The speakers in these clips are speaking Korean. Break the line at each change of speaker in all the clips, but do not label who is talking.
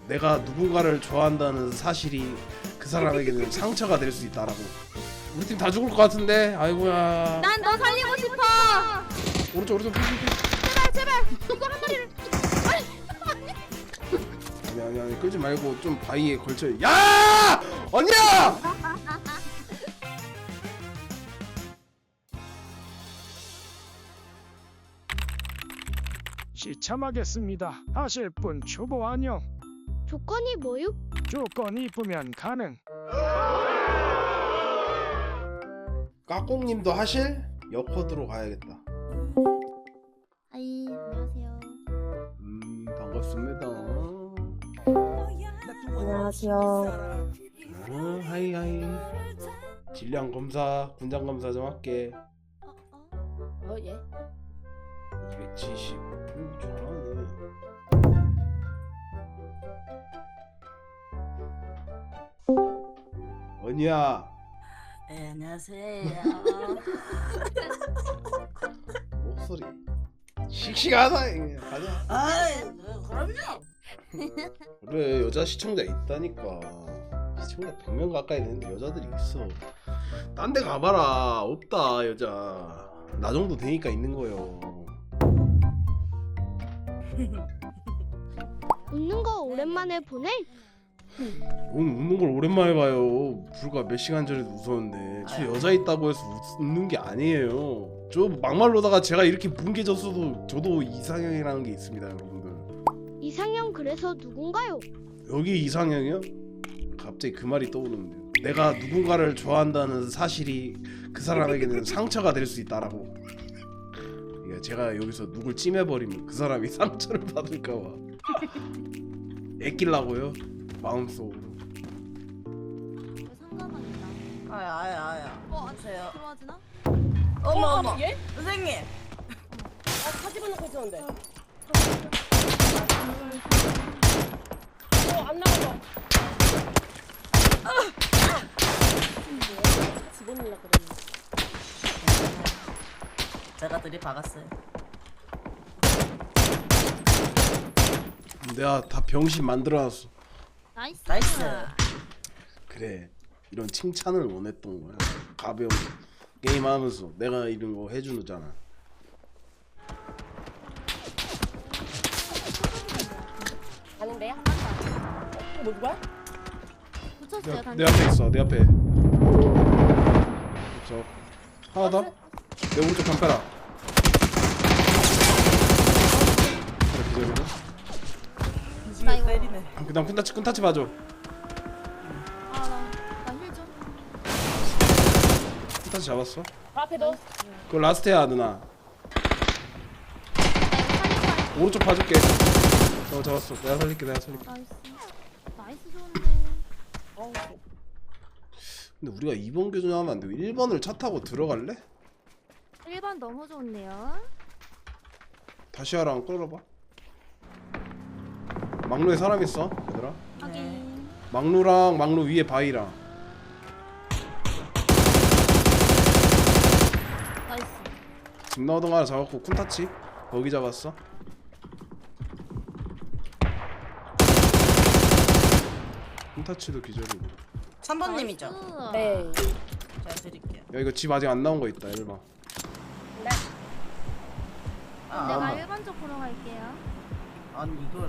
내가 누군가를 좋아한다는 사실이 그 사람에게는 상처가 될 수 있다라고. 우리 팀 다 죽을 것 같은데. 아이고야.
난 너 살리고 싶어.
오른쪽
제발 제발 이거 한 마리를.
아니 끌지 말고 좀 바위에 걸쳐. 야! 언니야!
시참하겠습니다. 하실 분 초보 안녕.
조건이 뭐요?
조건 이쁘면 가능.
까꿍님도 하실? 여코드로 가야겠다.
아이 안녕하세요.
반갑습니다.
안녕하세요.
하이. 질량 검사, 군장 검사 좀 할게.
예.
270. 잘하네. 언니야.
네, 안녕하세요.
목소리 씩씩하다. 이게. 가자.
아이, 그럼요.
그래, 여자 시청자 있다니까. 시청자 100명 가까이 되는데 여자들이 있어. 딴 데 가봐라. 없다 여자. 나 정도 되니까 있는 거요.
웃는 거 오랜만에 보네.
오늘 웃는 걸 오랜만에 봐요. 불과 몇 시간 전에도 웃었는데 저 여자 있다고 해서 웃는 게 아니에요. 저 막말로다가 제가 이렇게 뭉개졌어도 저도 이상형이라는 게 있습니다, 여러분들.
이상형 그래서 누군가요?
여기 이상형이요? 갑자기 그 말이 떠오르는데요. 내가 누군가를 좋아한다는 사실이 그 사람에게는 상처가 될 수 있다라고. 그러니까 제가 여기서 누굴 찜해버리면 그 사람이 상처를 받을까봐 애끼려고요, 마음속으로.
상관은 있다.
아야.
안녕하세요. 들어와지나?
어머. 선생님.
사진 넣고 있었는데. 안 나가서. 집어넣으려고 그랬는데.
제가 들이박았어요.
내가 다 병신 만들어놨어.
나이스.
나이스.
그래, 이런 칭찬을 원했던 거야. 가벼운 게임하면서 내가 이런 거 해주잖아.
가는데요? 뭐 누구야?
붙였어요.
내 앞에 있어, 내 앞에. 저 하나 더. 내 오른쪽 담벼락. 그래, 기절이네.
나 이거-
때리네.
그다음 쿤타치 봐줘.
나힐 좀.
쿤타치 잡았어.
앞에 너.
그거 라스트야 누나. 오른쪽 봐줄게. 잡았어. 내가 살릴게.
나이스. 나이스 좋은데.
근데 우리가 2번 교전하면 안 되고 1번을 차 타고 들어갈래?
1번 너무 좋은데요.
다시 하랑 끌어봐. 막루에 사람 있어, 얘들아.
확인.
막루랑 막루 위에 바위랑.
나이스.
집 나오던 거 하나 잡았고 쿤타치 거기 잡았어. 쿤타치도 기절이고.
3번님이죠?
나이스.
네.
제가 드릴게요.
야, 이거 집 아직 안 나온 거 있다. 1번.
아,
내가
아마.
1번 쪽 보러 갈게요.
아니 이걸.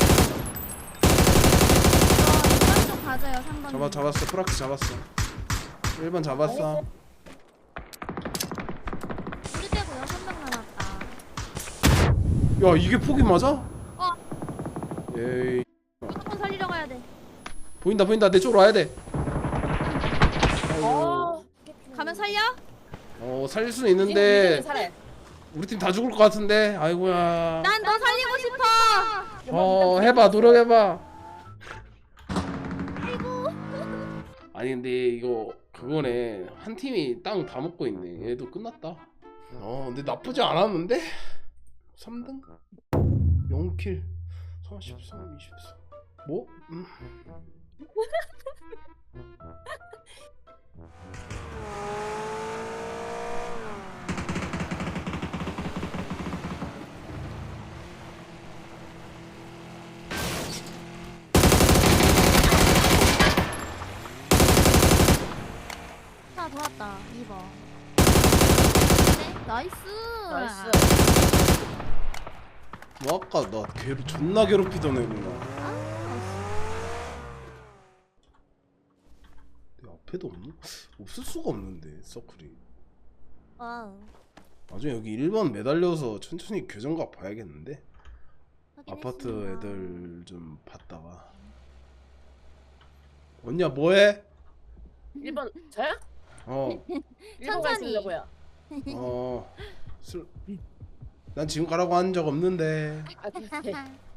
2번 쪽 가져요. 3번.
잡았어. 프락스 잡았어. 1번 잡았어.
우리 빼고 6명 남았다.
야, 이게 폭이 맞아?
어.
에이.
무조건 살리러 가야 돼.
보인다. 내 쪽으로 와야 돼.
가면 살려?
살릴 수는 있는데
살아.
우리 팀 다 죽을 것 같은데. 아이고야.
난 너 살리고 싶어.
해봐. 노력해봐.
아이고.
아니 근데 이거 그거네. 한 팀이 땅 다 먹고 있네. 얘도 끝났다. 근데 나쁘지 않았는데? 3등? 0킬 43, 24. 뭐?
나이스.
나이스.
뭐 아까 나 존나 괴롭히던 애구나. 내 앞에도 없나? 없을 수가 없는데 서클이.
와우.
나중에 여기 1번 매달려서 천천히 교정각 봐야겠는데. 아파트
확인했습니다.
애들 좀 봤다가. 언니야 뭐해?
1번 저요?
어.
1번 가 있으려고요.
난 지금 가라고 한 적 없는데.
아 네.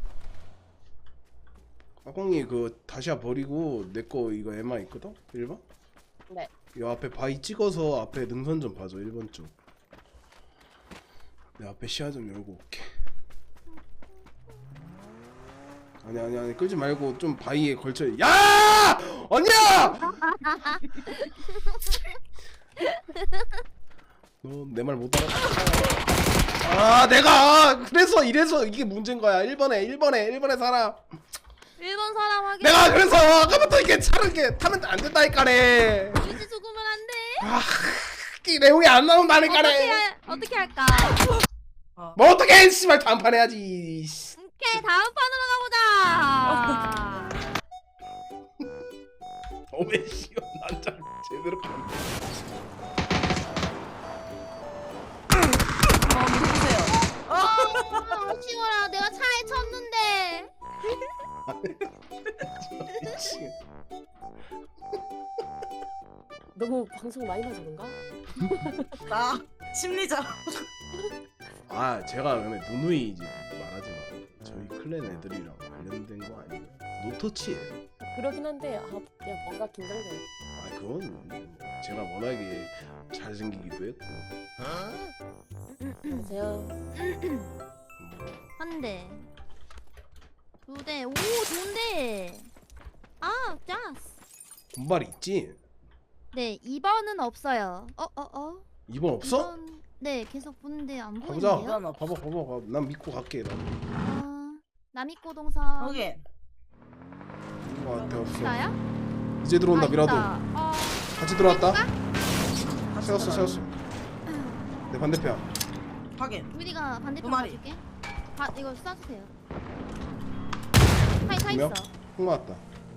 아공이 그 다시야 버리고 내 거 이거 에마 있거든? 1번?
네.
이 앞에 바위 찍어서 앞에 능선 좀 봐줘 1번 쪽. 내 앞에 시야 좀 열고 올게. 아니 끌지 말고 좀 바위에 걸쳐. 야! 언니야! 너 내 말 못 알아? 내가 그래서 이래서 이게 문제인 거야. 1번에 사람.
1번 사람 확인.
내가 그래서 아까부터 이렇게 차를 이렇게 타면 안 된다니까네.
유지 죽으면 안 돼.
이 내용이 안 나온다니까네.
어떻게 할까?
뭐 어떻게 해? 씨발 단판 해야지.
오케이, 다음 판으로 가보자.
어메 씨발 난잘 제대로 가네.
누구세요?
아쉬워라. 내가 차에 쳤는데.
미치겠.
너무 방송 많이 봐서 그런가?
나 심리적.
아 제가 근데 누누이 이제 말하지 마. 저희 클랜 애들이랑 관련된 거 아니에요. 노터치예요.
그러긴 한데 그냥 뭔가 긴장돼요.
아 그건 제가 워낙에 잘생기기도 했고.
안녕하세요.
한 대. 2대. 오, 좋은데. 아, 짜스.
군발이 있지?
네, 2번은 없어요.
2번 없어?
2번, 네, 계속 보는데 안
가보자.
보이는데요?
봐봐. 난 믿고 갈게.
남이꼬 동선.
확인.
거 같아 없어.
나야?
이제 들어온다 미라도. 같이 들어왔다.
다시
세웠어.
들어가요.
내 반대편.
확인.
우리가 반대편
두 마리.
봐줄게. 이거 쏴주세요. 타
두 명?
있어.
콩 맞았다.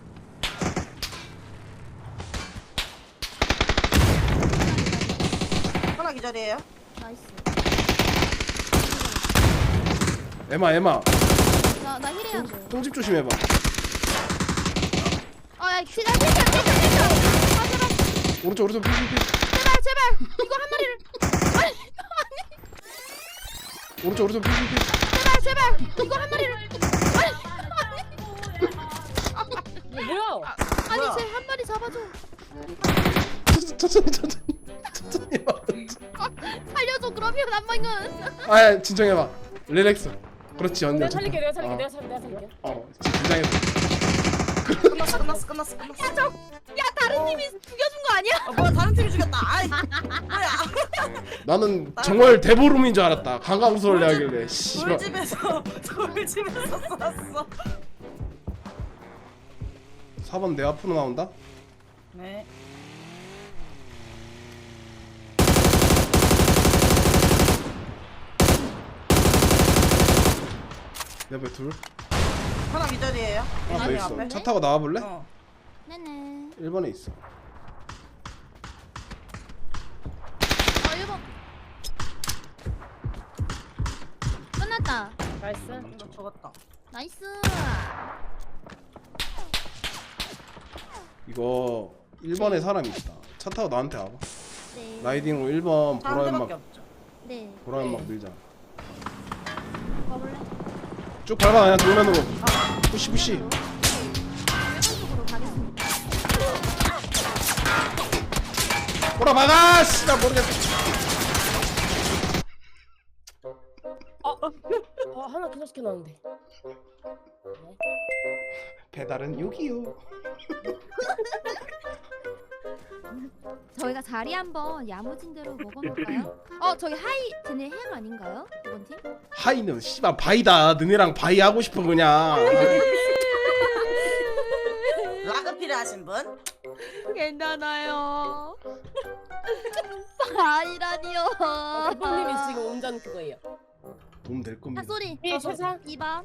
하나 기절이에요.
나이스.
에마.
나 힐해야 돼.
똥집 조심해봐.
야, 제발. 아, 제발.
오른쪽 피.
제발. 이거 한 마리를.
오른쪽 피.
제발. 이거 한 마리를.
뭐야?
아니,
뭐야?
쟤 한 마리 잡아줘.
천천히 해봐.
살려줘, 그러면 안방은.
아 진정해봐. 릴렉스. 그렇지 언니.
내가 살릴게. 내가 살릴게.
어.
내가 살릴게.
긴장해봐.
끝났어.
야, 다른 팀이 죽여준 거 아니야?
뭐야 다른 팀이 죽였다. 아이. 뭐야?
나는 정말 대보름인 줄 알았다. 강강수를 하길래. 씨발.
돌집에서 쐈어.
4번 내 앞으로 나온다.
네.
내 앞에 둘.
하나 기절이에요.
하나 더
앞에.
있어. 차 타고 나와볼래?
어.
네네.
1번에 있어.
1번. 끝났다.
나이스.
너 죽었다.
나이스.
이거 1번에 사람이 있다. 차 타고 나한테 와봐.
네.
라이딩으로 1번
한
보라연막
대밖에 없죠.
네.
보라연막 밀자.
가볼래?
쭉 밟아 그냥 정면으로. 푸시.
쪽으로 가겠습니다.
보라 막아. 씨나 모르겠어.
하나 그냥 시켜놨는데.
배달은 여기요.
저희가 자리 한번 야무진 대로 먹어볼까요? 저기 하이 쟤네 햄 아닌가요? 이번 팀?
하이는 씨발 바이다. 너네랑 바이 하고 싶은 거냐.
라그피 필요하신 분?
괜찮아요. 아니라니요.
대표님이 지금 운전 그거예요.
도움 될 겁니다.
소리.
예, 세상.
2번.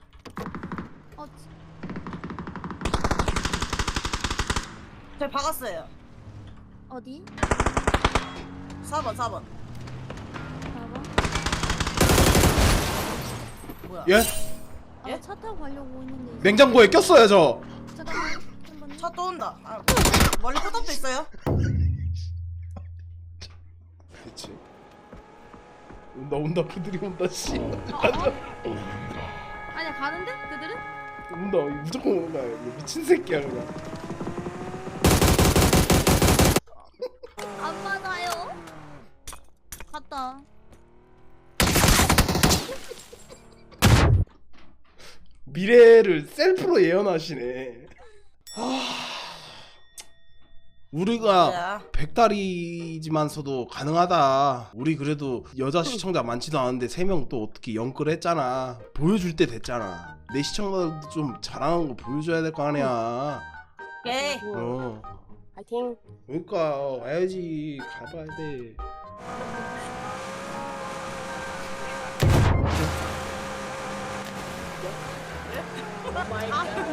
저 박았어요.
어디?
4번 4번.
4번.
뭐야?
예?
예?
차 타고 가려고 했는데.
냉장고에 꼈어요 저.
잠깐만. 잠깐만요.
차 또 온다. 아, 멀리 포탑도 있어요.
그렇지. 온다 그들이 온다 씨.
아니야 가는데? 그들은?
온다 무조건 온다. 이거 미친 새끼야 그냥.
안 맞아요. 갔다.
미래를 셀프로 예언하시네. 우리가
야,
백달이지만서도 가능하다. 우리 그래도 여자 시청자 많지도 않은데 3명 또 어떻게 영끌했잖아. 보여줄 때 됐잖아. 내 시청자들도 좀 자랑한 거 보여줘야 될 거 아니야.
오케이.
어.
파이팅.
그러니까 와야지. 가봐야 돼.
마이
아,
갓.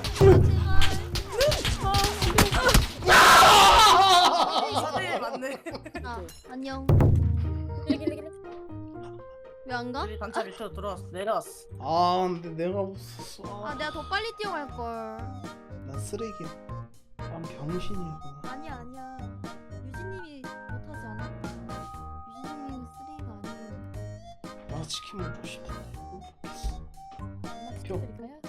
사들 맞네.
안녕.
기리기리기리.
왜 안 가?
우리 단차 밑으로 들어왔어. 내려왔어.
아 근데 내가 없었어.
아 내가 더 빨리 뛰어갈 걸.
난 쓰레기야. 난 병신이야.
아니야 아니야. 유진님이 못하지 않아? 유진님이 쓰레기가 아니에요.
나 치킨 먹고 싶다.
드릴까요?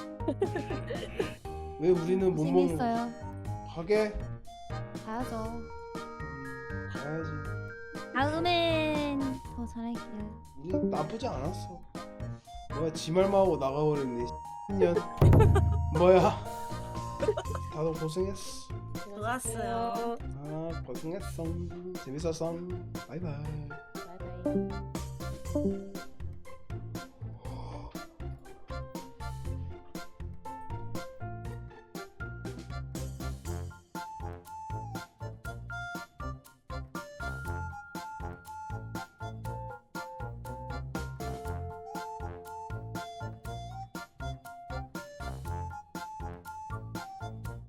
왜 우리는 못 먹는 거야?
재밌어요.
가게?
가야죠.
가야지.
다음엔 더 잘할게요.
우리 나쁘지 않았어. 뭐야 지 말만 하고 나가버렸네. 년 뭐야? 다들 고생했어.
좋았어요.
아 고생했어. 재밌었어. 바이바이.
바이바이.